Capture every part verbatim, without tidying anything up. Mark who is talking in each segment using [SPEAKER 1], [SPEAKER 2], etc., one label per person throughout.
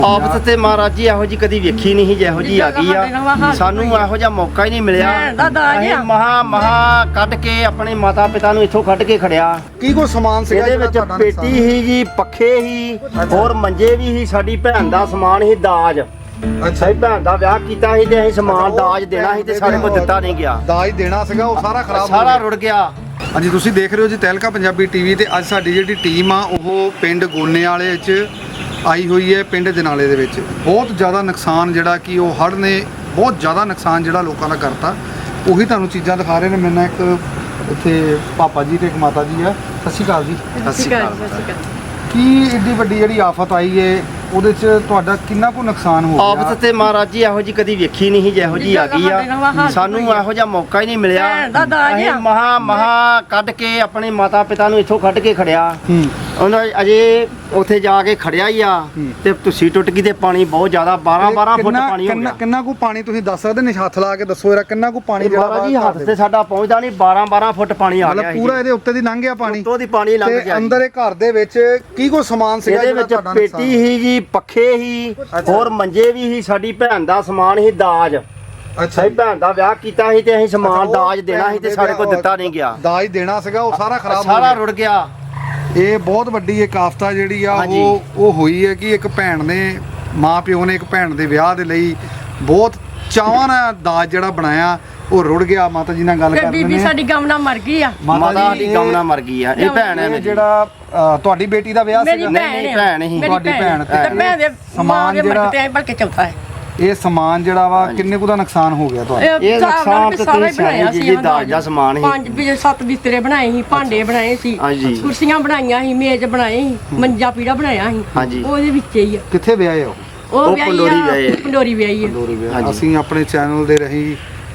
[SPEAKER 1] ਆਫਤ ਤੇ ਮਹਾਰਾਜ ਜੀ ਇਹੋ ਜੀ ਕਦੀ ਵੇਖੀ ਨਹੀਂ ਜਿਹੋ ਜੀ ਆ ਗਈ ਆ। ਸਾਨੂੰ ਇਹੋ ਜਿਹਾ ਮੌਕਾ ਹੀ ਨਹੀਂ ਮਿਲਿਆ। ਅਸੀਂ ਮਹਾ ਮਹਾ ਕੱਢ ਕੇ ਆਪਣੇ ਮਾਤਾ ਪਿਤਾ ਨੂੰ ਇੱਥੋਂ ਕੱਢ ਕੇ ਖੜਿਆ।
[SPEAKER 2] ਕੀ ਕੋਈ ਸਮਾਨ ਸੀਗਾ
[SPEAKER 1] ਇਹਦੇ ਵਿੱਚ ਪੇਟੀ ਹੀ ਜੀ, ਪੱਖੇ ਹੀ, ਹੋਰ ਮੰਜੇ ਵੀ ਹੀ, ਸਾਡੀ ਭੈਣ ਦਾ ਸਮਾਨ ਹੀ, ਦਾਜ। ਅੱਛਾ, ਹੀ ਭੈਣ ਦਾ ਵਿਆਹ ਕੀਤਾ ਸੀ ਤੇ ਅਸੀਂ ਸਮਾਨ ਦਾਜ ਦੇਣਾ ਸੀ ਤੇ ਸਾਡੇ ਕੋਲ ਦਿੱਤਾ ਨਹੀਂ ਗਿਆ।
[SPEAKER 2] ਦਾਜ ਦੇਣਾ ਸੀਗਾ ਉਹ ਸਾਰਾ ਖਰਾਬ
[SPEAKER 1] ਸਾਰਾ ਰੁੜ ਗਿਆ।
[SPEAKER 2] ਹਾਂਜੀ, ਤੁਸੀਂ ਦੇਖ ਰਹੇ ਹੋ ਜੀ ਤਹਿਲਕਾ ਪੰਜਾਬੀ ਟੀਵੀ ਤੇ ਅੱਜ ਸਾਡੀ ਜਿਹੜੀ ਟੀਮ ਆ ਉਹ ਪਿੰਡ ਗੋਨੇ ਵਾਲੇ ਵਿੱਚ ਆਈ ਹੋਈ ਹੈ। ਪਿੰਡ ਜਨਾਲੇ ਦੇ ਵਿੱਚ ਬਹੁਤ ਜ਼ਿਆਦਾ ਨੁਕਸਾਨ ਜਿਹੜਾ ਕਿ ਉਹ ਹੜ੍ਹ ਨੇ ਬਹੁਤ ਜ਼ਿਆਦਾ ਨੁਕਸਾਨ ਜਿਹੜਾ ਲੋਕਾਂ ਦਾ ਕਰਤਾ। ਉਹੀ ਤੁਹਾਨੂੰ ਚੀਜ਼ਾਂ ਦਿਖਾ ਰਹੇ ਨੇ। ਮੇਰੇ ਨਾਲ ਇੱਕ ਇੱਥੇ ਪਾਪਾ ਜੀ ਤੇ ਇੱਕ ਮਾਤਾ ਜੀ ਆ। ਸਤਿ ਸ਼੍ਰੀ ਅਕਾਲ ਜੀ।
[SPEAKER 1] ਸਤਿ ਸ਼੍ਰੀ ਅਕਾਲ।
[SPEAKER 2] ਕੀ ਏਡੀ ਵੱਡੀ ਜਿਹੜੀ ਆਫਤ ਆਈ ਹੈ ਉਹਦੇ 'ਚ ਤੁਹਾਡਾ ਕਿੰਨਾ ਕੁ ਨੁਕਸਾਨ ਹੋ ਗਿਆ?
[SPEAKER 1] ਆਫਤ ਤੇ ਮਹਾਰਾਜ ਜੀ ਇਹੋ ਜੀ ਕਦੀ ਵੇਖੀ ਨਹੀਂ ਜਿਹੋ ਜੀ ਆ ਗਈ ਆ। ਸਾਨੂੰ ਇਹੋ ਜਿਹਾ ਮੌਕਾ ਹੀ ਨਹੀਂ ਮਿਲਿਆ। ਅਸੀਂ ਮਹਾ ਮਹਾ ਕੱਢ ਕੇ ਆਪਣੇ ਮਾਤਾ ਪਿਤਾ ਨੂੰ ਇੱਥੋਂ ਕੱਢ ਕੇ ਖੜਿਆ। ਉਹਨਾਂ ਅਜੇ ਉੱਥੇ ਜਾ ਕੇ ਖੜਿਆ ਹੀ ਆ ਤੇ ਤੁਸੀਂ ਟੁੱਟ ਗਈ ਤੇ ਪਾਣੀ ਬਹੁਤ ਜ਼ਿਆਦਾ ਬਾਰਾਂ ਬਾਰਾਂ ਫੁੱਟ ਪਾਣੀ ਹੋ ਗਿਆ।
[SPEAKER 2] ਕਿੰਨਾ ਕੁ ਪਾਣੀ ਤੁਸੀਂ ਦੱਸ ਸਕਦੇ ਨੇ? ਹੱਥ ਲਾ ਕੇ ਦੱਸੋ ਇਹਦਾ ਕਿੰਨਾ ਕੁ ਪਾਣੀ ਜਿਹੜਾ
[SPEAKER 1] ਮਹਾਰਾਜ ਜੀ ਹੱਥ ਤੇ ਸਾਡਾ ਪਹੁੰਚਦਾ ਨਹੀਂ। ਬਾਰਾਂ ਬਾਰਾਂ ਫੁੱਟ ਪਾਣੀ ਆ ਗਿਆ।
[SPEAKER 2] ਮਤਲਬ ਪੂਰਾ ਇਹਦੇ ਉੱਤੇ ਦੀ ਲੰਘ ਗਿਆ ਪਾਣੀ।
[SPEAKER 1] ਉੱਤੋਂ ਦੀ ਪਾਣੀ ਲੰਘ ਗਿਆ।
[SPEAKER 2] ਅੰਦਰ ਇਹ ਘਰ ਦੇ ਵਿੱਚ ਕੀ ਕੋਈ ਸਮਾਨ ਸੀਗਾ?
[SPEAKER 1] ਇਹਦੇ ਵਿੱਚ ਪੇਟੀ ਹੀ ਜੀ, ਪੱਖੇ ਹੀ, ਹੋਰ ਮੰਜੇ ਵੀ ਹੀ, ਸਾਡੀ ਭੈਣ ਦਾ ਸਮਾਨ ਹੀ, ਦਾਜ। ਅੱਛਾ, ਭੈਣ ਦਾ ਵਿਆਹ ਕੀਤਾ ਸੀ ਤੇ ਅਸੀਂ ਸਮਾਨ ਦਾਜ ਦੇਣਾ ਸੀ ਤੇ ਸਾਡੇ ਕੋਲ ਦਿੱਤਾ ਨਹੀਂ ਗਿਆ।
[SPEAKER 2] ਦਾਜ ਦੇਣਾ ਸੀਗਾ ਉਹ ਸਾਰਾ ਖਰਾਬ
[SPEAKER 1] ਸਾਰਾ ਰੁੜ ਗਿਆ।
[SPEAKER 2] ਇਹ ਬਹੁਤ ਵੱਡੀ ਇੱਕ ਆਫਤਾ ਜਿਹੜੀ ਆ ਉਹ ਉਹ ਹੋਈ ਹੈ ਕਿ ਇੱਕ ਭੈਣ ਨੇ, ਮਾਂ ਪਿਓ ਨੇ ਇੱਕ ਭੈਣ ਦੇ ਵਿਆਹ ਦੇ ਲਈ ਬਹੁਤ ਚਾਵਾਂ ਨਾਲ ਦਾਜ ਜਿਹੜਾ ਬਣਾਇਆ ਉਹ ਰੁੜ ਗਿਆ। ਮਾਤਾ ਜੀ ਨਾਲ ਗੱਲ ਕਰਦੇ ਨੇ।
[SPEAKER 3] ਬੀਬੀ ਸਾਡੀ ਗਮਨਾ ਮਰ ਗਈ ਆ।
[SPEAKER 1] ਮਾਤਾ ਦੀ ਗਮਨਾ ਮਰ ਗਈ ਆ। ਇਹ ਭੈਣ ਹੈ ਮੇਰੀ।
[SPEAKER 2] ਜਿਹੜਾ ਤੁਹਾਡੀ ਬੇਟੀ ਦਾ ਵਿਆਹ ਸੀਗਾ?
[SPEAKER 1] ਨਹੀਂ ਨਹੀਂ ਭੈਣ ਹੀ।
[SPEAKER 2] ਤੁਹਾਡੀ ਭੈਣ ਤੇ
[SPEAKER 3] ਭੈਣ ਦੇ
[SPEAKER 2] ਸਮਾਨ ਜਿਹੜਾ
[SPEAKER 3] ਬਲਕਿ ਚੌਥਾ ਹੈ।
[SPEAKER 2] ਇਹ ਸਮਾਨ ਜਿਹੜਾ ਵਾ ਕਿੰਨੇ ਕੁ ਦਾ ਨੁਕਸਾਨ ਹੋ ਗਿਆ ਤੁਹਾਡਾ?
[SPEAKER 1] ਇਹ ਨੁਕਸਾਨ ਤੇ ਤੁਸੀਂ ਬਣਾਇਆ ਸੀ। ਦਾਜ ਦਾ ਸਮਾਨ ਸੀ।
[SPEAKER 3] ਪੰਜ ਵੀ ਸੱਤ ਬਿਸਤਰੇ ਬਣਾਏ ਸੀ, ਭਾਂਡੇ ਬਣਾਏ ਸੀ, ਕੁਰਸੀਆਂ ਬਣਾਈਆਂ ਸੀ, ਮੇਜ਼ ਬਣਾਏ ਸੀ, ਮੰਜਾ ਪੀੜਾ ਬਣਾਇਆ ਸੀ। ਉਹਦੇ ਵਿੱਚ ਹੀ ਆ।
[SPEAKER 2] ਕਿੱਥੇ ਵਿਆਹੇ ਹੋ?
[SPEAKER 3] ਉਹ ਪੰਡੋਰੀ ਵਿਆਹੀ ਹੈ। ਪੰਡੋਰੀ ਵਿਆਹੀ ਹੈ।
[SPEAKER 2] ਅਸੀਂ ਆਪਣੇ ਚੈਨਲ ਦੇ ਰਹੀ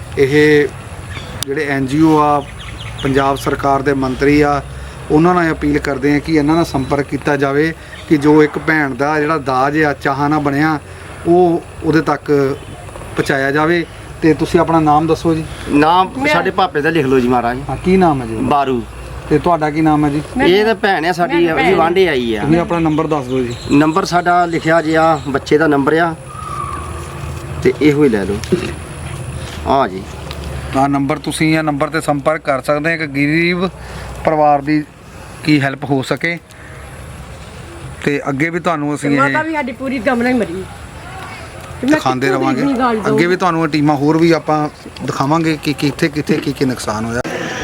[SPEAKER 2] ਇਹ ਜਿਹੜੇ ਐਨ ਜੀ ਓ ਆ, ਪੰਜਾਬ ਸਰਕਾਰ ਦੇ ਮੰਤਰੀ ਆ, ਉਹਨਾਂ ਨਾਲ ਅਪੀਲ ਕਰਦੇ ਆ ਕਿ ਇਹਨਾਂ ਨਾਲ ਸੰਪਰਕ ਕੀਤਾ ਜਾਵੇ ਕਿ ਜੋ ਇੱਕ ਭੈਣ ਦਾ ਜਿਹੜਾ ਦਾਜ ਆ ਚਾਹਾਂ ਨਾਲ ਬਣਿਆ ਉਹ ਉਹਦੇ ਤੱਕ ਪਹੁੰਚਾਇਆ ਜਾਵੇ। ਤੇ ਤੁਸੀਂ ਆਪਣਾ ਨਾਮ ਦੱਸੋ ਜੀ।
[SPEAKER 1] ਨਾਮ ਸਾਡੇ ਭਾਪੇ ਦਾ ਲਿਖ ਲਓ ਜੀ ਮਹਾਰਾਜ।
[SPEAKER 2] ਹਾਂ, ਕੀ ਨਾਮ ਹੈ ਜੀ?
[SPEAKER 1] ਬਾਰੂ।
[SPEAKER 2] ਤੇ ਤੁਹਾਡਾ ਕੀ ਨਾਮ ਹੈ ਜੀ?
[SPEAKER 1] ਇਹ ਤਾਂ ਭੈਣ ਆ ਸਾਡੀ, ਅਸੀਂ ਵਾਂਢੇ ਆਈ ਆ।
[SPEAKER 2] ਤੁਸੀਂ ਆਪਣਾ ਨੰਬਰ ਦੱਸ ਦਿਓ ਜੀ।
[SPEAKER 1] ਨੰਬਰ ਸਾਡਾ ਲਿਖਿਆ ਜੀ ਆ, ਬੱਚੇ ਦਾ ਨੰਬਰ ਆ ਤੇ ਇਹੋ ਹੀ ਲੈ ਲਓ। ਹਾਂ ਜੀ,
[SPEAKER 2] ਆਹ ਨੰਬਰ ਤੁਸੀਂ ਇਹ ਨੰਬਰ ਤੇ ਸੰਪਰਕ ਕਰ ਸਕਦੇ ਆ ਕਿ ਗਰੀਬ ਪਰਿਵਾਰ ਦੀ ਕੀ ਹੈਲਪ ਹੋ ਸਕੇ। ਤੇ ਅੱਗੇ ਵੀ ਤੁਹਾਨੂੰ ਅਸੀਂ ਇਹ
[SPEAKER 3] ਮਾਤਾ ਵੀ ਸਾਡੀ ਪੂਰੀ ਗਮਨਾ ਹੀ ਮਰੀ।
[SPEAKER 2] ਦਿਖਾਉਂਦੇ ਰਵਾਂਗੇ। ਅੱਗੇ ਵੀ ਤੁਹਾਨੂੰ ਇਹ ਟੀਮਾਂ ਹੋਰ ਵੀ ਆਪਾਂ ਦਿਖਾਵਾਂਗੇ ਕਿ ਕਿੱਥੇ ਕਿੱਥੇ ਕੀ ਕੀ ਨੁਕਸਾਨ ਹੋਇਆ।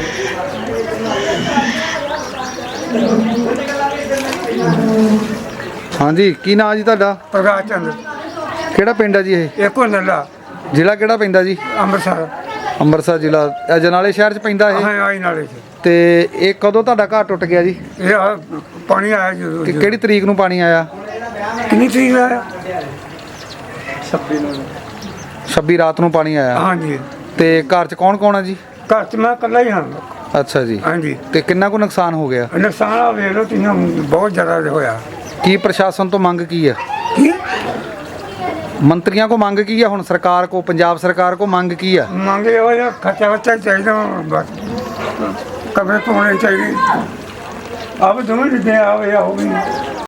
[SPEAKER 2] ਹਾਂਜੀ, ਕੀ ਨਾਮ ਜੀ ਤੁਹਾਡਾ?
[SPEAKER 4] ਪ੍ਰਕਾਸ਼ ਚੰਦ।
[SPEAKER 2] ਕਿਹੜਾ ਪਿੰਡ ਹੈ ਜੀ ਇਹ?
[SPEAKER 4] ਇੱਕੋ ਨੱਲਾ।
[SPEAKER 2] ਜ਼ਿਲ੍ਹਾ ਕਿਹੜਾ ਪੈਂਦਾ ਜੀ?
[SPEAKER 4] ਅੰਮ੍ਰਿਤਸਰ।
[SPEAKER 2] ਅੰਮ੍ਰਿਤਸਰ ਜ਼ਿਲ੍ਹਾ ਜਨਾਲੇ ਸ਼ਹਿਰ 'ਚ ਪੈਂਦਾ ਇਹ?
[SPEAKER 4] ਹਾਂ, ਆਈ ਨਾਲੇ 'ਚ।
[SPEAKER 2] ਤੇ ਇਹ ਕਦੋਂ ਤੁਹਾਡਾ ਘਰ ਟੁੱਟ ਗਿਆ ਜੀ?
[SPEAKER 4] ਇਹ ਆਹ ਪਾਣੀ ਆਇਆ ਜਦੋਂ।
[SPEAKER 2] ਕਿ ਕਿਹੜੀ ਤਰੀਕ ਨੂੰ ਪਾਣੀ ਆਇਆ?
[SPEAKER 4] ਕਿੰਨੀ ਤਰੀਕ ਆਇਆ?
[SPEAKER 2] ਛੱਬੀ ਰਾਤ ਨੂੰ ਪਾਣੀ ਆਇਆ।
[SPEAKER 4] ਹਾਂਜੀ।
[SPEAKER 2] ਤੇ ਘਰ 'ਚ ਕੌਣ ਕੌਣ ਆ ਜੀ?
[SPEAKER 4] ਘਰ 'ਚ ਮੈਂ ਇਕੱਲਾ ਹੀ ਹਾਂ।
[SPEAKER 2] ਅੱਛਾ ਜੀ।
[SPEAKER 4] ਹਾਂਜੀ।
[SPEAKER 2] ਤੇ ਕਿੰਨਾ ਕੁ ਨੁਕਸਾਨ ਹੋ ਗਿਆ?
[SPEAKER 4] ਨੁਕਸਾਨ ਆ ਵੇਖ ਲਓ ਤੁਸੀਂ, ਬਹੁਤ ਜ਼ਿਆਦਾ ਹੋਇਆ।
[SPEAKER 2] ਕੀ ਪ੍ਰਸ਼ਾਸਨ ਤੋਂ ਮੰਗ ਕੀ ਆ?
[SPEAKER 4] ਕੀ
[SPEAKER 2] ਮੰਤਰੀਆਂ ਕੋ ਮੰਗ ਕੀ ਆ? ਹੁਣ ਸਰਕਾਰ ਕੋ, ਪੰਜਾਬ ਸਰਕਾਰ ਕੋ ਮੰਗ ਕੀ ਆ?
[SPEAKER 4] ਮੰਗੇ ਉਹ ਜਿਹਾ ਖਰਚਾ ਵਰਚਾ ਚਾਹੀਦਾ। ਬਸ ਕਮਰੇ ਧੋਣੇ ਚਾਹੀਦੇ। ਆਪ ਦੋਵੇਂ ਜਿੱਦੇ ਆਵੇ ਆ ਉਹ ਵੀ